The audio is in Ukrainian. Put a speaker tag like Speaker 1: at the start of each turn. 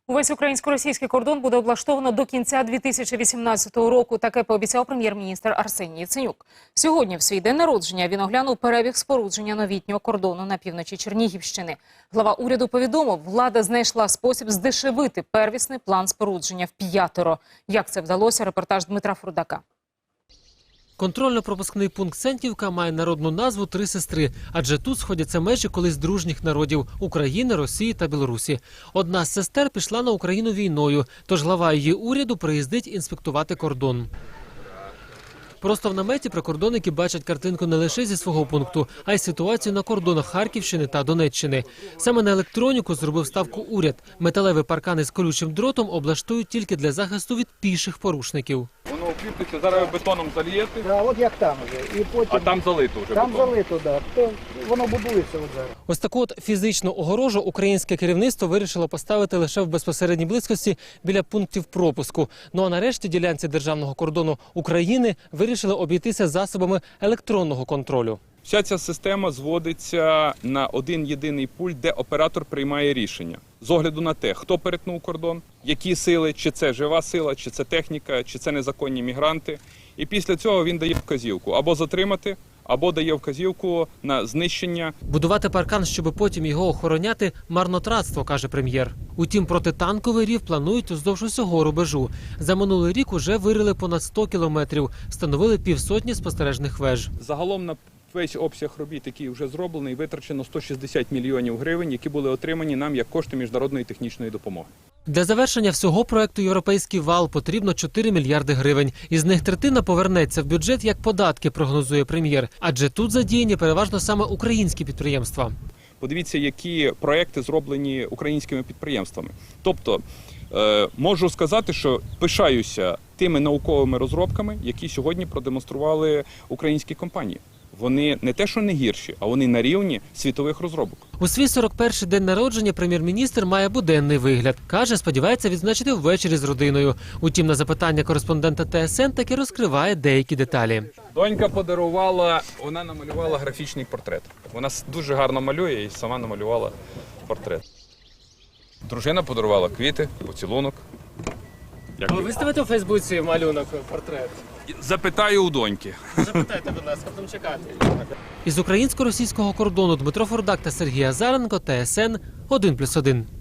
Speaker 1: Увесь українсько-російський кордон буде облаштовано до кінця 2018 року. Таке пообіцяв прем'єр-міністр Арсеній Яценюк. Сьогодні, в свій день народження, він оглянув перебіг спорудження новітнього кордону на півночі Чернігівщини. Глава уряду повідомив, влада знайшла спосіб здешевити первісний план спорудження вп'ятеро. Як це вдалося, репортаж Дмитра Фурдака.
Speaker 2: Контрольно-пропускний пункт Сеньківка має народну назву «Три сестри», адже тут сходяться межі колись дружніх народів – України, Росії та Білорусі. Одна з сестер пішла на Україну війною, тож глава її уряду приїздить інспектувати кордон. Просто в наметі прикордонники бачать картинку не лише зі свого пункту, а й ситуацію на кордонах Харківщини та Донеччини. Саме на електроніку зробив ставку уряд. Металеві паркани з колючим дротом облаштують тільки для захисту від піших порушників.
Speaker 3: Воно укріплюється, зараз ви бетоном зальєте,
Speaker 4: от як там вже. І потім...
Speaker 3: а там залито вже
Speaker 4: Там
Speaker 3: бетоном.
Speaker 4: залито, так. То воно будується от зараз.
Speaker 2: Ось таку от фізичну огорожу українське керівництво вирішило поставити лише в безпосередній близькості біля пунктів пропуску. Ну а нарешті ділянці державного кордону України вирішили обійтися засобами електронного контролю.
Speaker 3: Вся ця система зводиться на один єдиний пульт, де оператор приймає рішення. З огляду на те, хто перетнув кордон, які сили, чи це жива сила, чи це техніка, чи це незаконні мігранти. І після цього він дає вказівку або затримати, або дає вказівку на знищення.
Speaker 2: Будувати паркан, щоб потім його охороняти – марнотратство, каже прем'єр. Утім, протитанковий рів планують уздовж усього рубежу. За минулий рік уже вирили понад 100 кілометрів, встановили півсотні спостережних веж.
Speaker 3: Загалом на весь обсяг робіт, який вже зроблений, витрачено 160 мільйонів гривень, які були отримані нам як кошти міжнародної технічної допомоги.
Speaker 2: Для завершення всього проекту «Європейський вал» потрібно 4 мільярди гривень. Із них третина повернеться в бюджет як податки, прогнозує прем'єр. Адже тут задіяні переважно саме українські підприємства.
Speaker 3: Подивіться, які проекти зроблені українськими підприємствами. Тобто, можу сказати, що пишаюся тими науковими розробками, які сьогодні продемонстрували українські компанії. Вони не те, що не гірші, а вони на рівні світових розробок.
Speaker 2: У свій 41-й день народження прем'єр-міністр має буденний вигляд. Каже, сподівається відзначити ввечері з родиною. Утім, на запитання кореспондента ТСН таки розкриває деякі деталі.
Speaker 3: Донька подарувала, вона намалювала графічний портрет. Вона дуже гарно малює і сама намалювала портрет. Дружина подарувала квіти, поцілунок.
Speaker 2: Ви виставите у Фейсбуці малюнок, портрет?
Speaker 3: Запитаю у доньки.
Speaker 2: Запитайте, будь ласка, будемо чекати. Із українсько-російського кордону Дмитро Фурдак та Сергій Азаренко, ТСН 1+1.